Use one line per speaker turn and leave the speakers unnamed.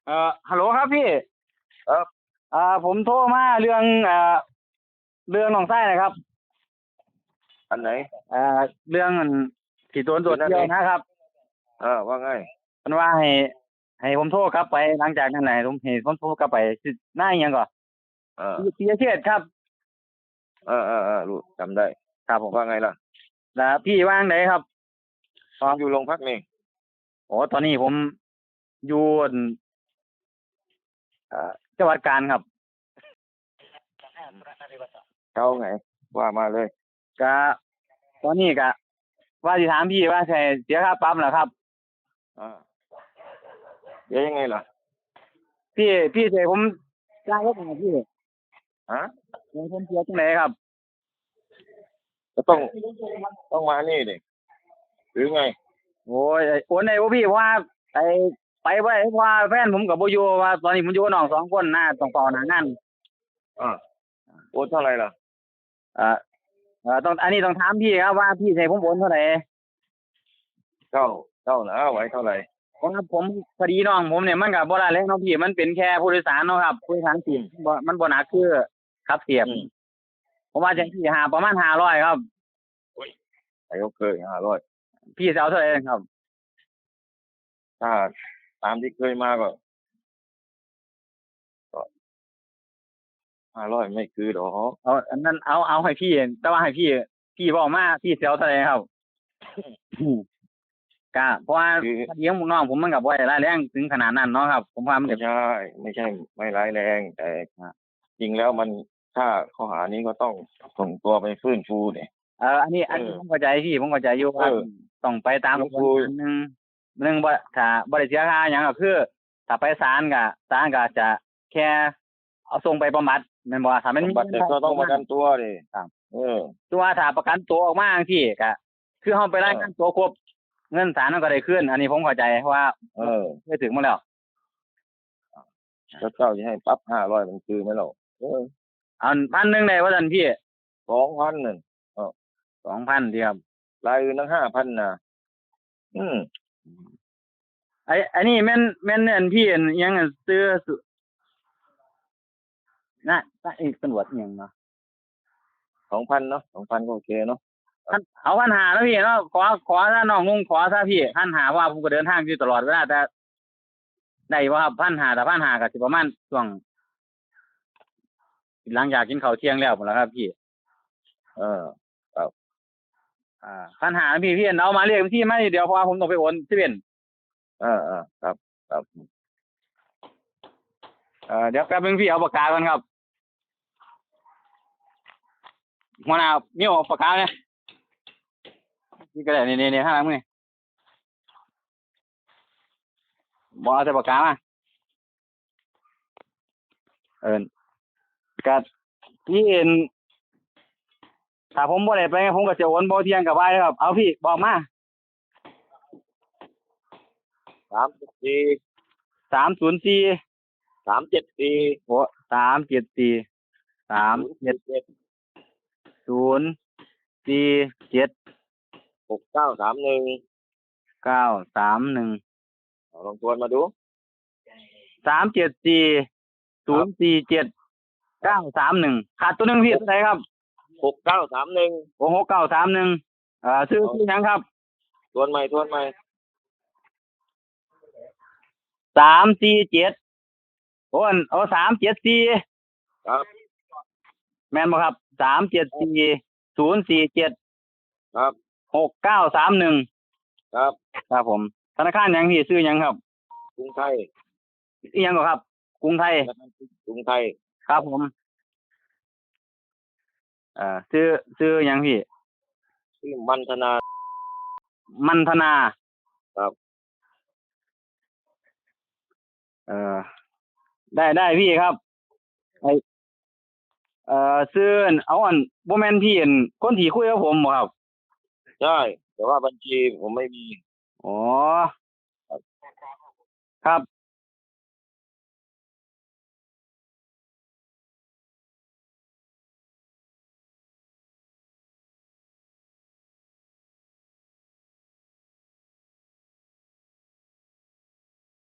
ฮัลโหลครับพี่
ครับ
ผมโทรมาเรื่องเรื่องน้องไส้นะครับ
อันไหน
เรื่องที่โดนตรวจเที่ยวนะครับ
ว่าไง
มันว่าให้ผมโทรกลับไปหลังจากนั้นไหนผมโทรกลับไปสิหน้าอหยังก่อน
เออ
ปียเชษฐ์ครับ
รู้จำได้
ครับผม
ว่าไงล่ะ
แล้วพี่ว่างไหนครับ
อยู่โรงพักนี่
โอ้ตอนนี้ผมอยู่จังหวัดกาญครับ
เขาไงว่ามาเลย
ก็ตอนนี้ก็ว่าจะถามพี่ว่าใช่เสียค่าปรับเหรอครับ
อ่าเดี๋ยวยังไงล่ะ
พี่เสียผมจ้างรถหน่อยพี่
ฮะ
เดี๋ยวผมเสียตรงไหนครับ
ก็ต้องมานี่ดิหรือไง
โอ้ยโอนไหนวะพี่เพราะว่าไอไปไว้เพราะว่าแฟนผมกับโบอยูว่าตอนนี้ผมอยู่กับน้อง2 คนนะต้องเฝ้าหน้างาน
โอนเท่าไหร่ล่ะ
เอ่อต้องอันนี้ต้องถามพี่ครับว่าพี่ใช้ผมโอนเท่าไหร่
เท่านะไว้เท่าไหร่
เพราะว่าผมพอดีน้องผมเนี่ยมันกับบ่ได้แล้วน้องพี่มันเป็นแค่ผู้โดยสารเนาะครับผู้โดยสารสิบมันบ่หนักคือขับเสียบผมว่าจังที่หาประมาณ500ครับ
ไอ้ก็เคย500
พี่จะเอาเท่าไหร่ครับ
ถ้าตามที่เคยมาก็500ไม่คือหรอก
เอาอันนั้นเอาให้พี่แต่ว่าให้พี่บอกมาพี่จะเอาเท่าไหร่ครับก็เพราะว่าเลี้ยงน้องผมมันกับบ่ได้ร้ายแรงถึงขนาดนั้นเนาะครับผมว่ามัน
ไม่ใช่ไม่ร้ายแรงแต่จริงแล้วมันถ้าข้อหานี้ก็ต้องส่งตัวไปฟื้นฟูเนี่ย
อันนี้ผมเข้าใจพี่ผมเข้าใจอยู่ว่าต้องไปตามกระบวนการหนึ่งบ่ถ้าบ่ได้เสียค่าหยังก็คือถ้าไปศาลก็จะแค่เอาส่งไปบำบัดแม่นบ่ถ้ามันมี
บัตรก็ต้องประกันตัวดิ
ครับ
เออ
ตัวถ้าประกันตัวออกมาจังซี่ก็คือเฮาไปรายงานตัวครบเงินศาลมันก็ได้คืนอันนี้ผมเข้าใจเพราะว่าเคยถึงมาแล้ว
แล้วเจ้าจะให้ปรับ500มันคือไหมล่ะ
อัน1,000ได้ว่าซั่นพี่
2,000นั่น
2,000ดีครับ
รายอื่นตั้ง5,000นะ
อันนี้แม่นอันพี่อันยังซื้อนะอีกตำรวจอีหยังเนาะ
2,000เนาะ2,000ก็โอเคเนาะ
เอา1,500แล้วพี่เนาะขอถ้าน้องงงขอถ้าพี่1,500ว่าผมก็เดินทางอยู่ตลอดเวลาแต่ได้บ่ครับ1,500แต่1,500ก็สิประมาณช่วงหลังจากกินข้าวเที่ยงแล้วพุ่นล่ะครับพี่
ครับ
1,500พี่เอามาเรียกบัญชีมาเดี๋ยวเพราะว่าผมต้องไปโอนที่เป็น
ครับ
เดี๋ยวแป๊บนึงพี่เอาปากกาก่อนครับหัวหน้ามีเอาปากกาเนี่ยนี่ก็ได้นี่ข้างหลังมึงนี่บ่เอาแต่ปากกามาก็พี่ถ้าผมบ่ได้ไปผมก็จะโอนบ่เที่ยงกับไปครับเอาพี่บอกมา
304 374
โอ้374 37047
6931
931
ลองทวนมาดู
374 047 ขาดตัวนึงพี่เท่าไหร่ครับ
6931
โอ้6931ชื่อหยังครับ
ทวนใหม่
347โอ้374
ครับ
แม่นบ่ครับ374 047
ครับ
6931ครับผมธนาคารหยังพี่ชื่อหยังครับ
กรุงไทย
อีหยังบ่ครับกรุงไทยครับผมชื่อหยังพี่
ชื่อมันธนาครับ
ได้พี่ครับซื้อเอาบ่แม่นพี่คนที่คุยกับผมบ่ครับ
ใช่แต่ว่าบัญชีผมไม่มี
อ๋อครับ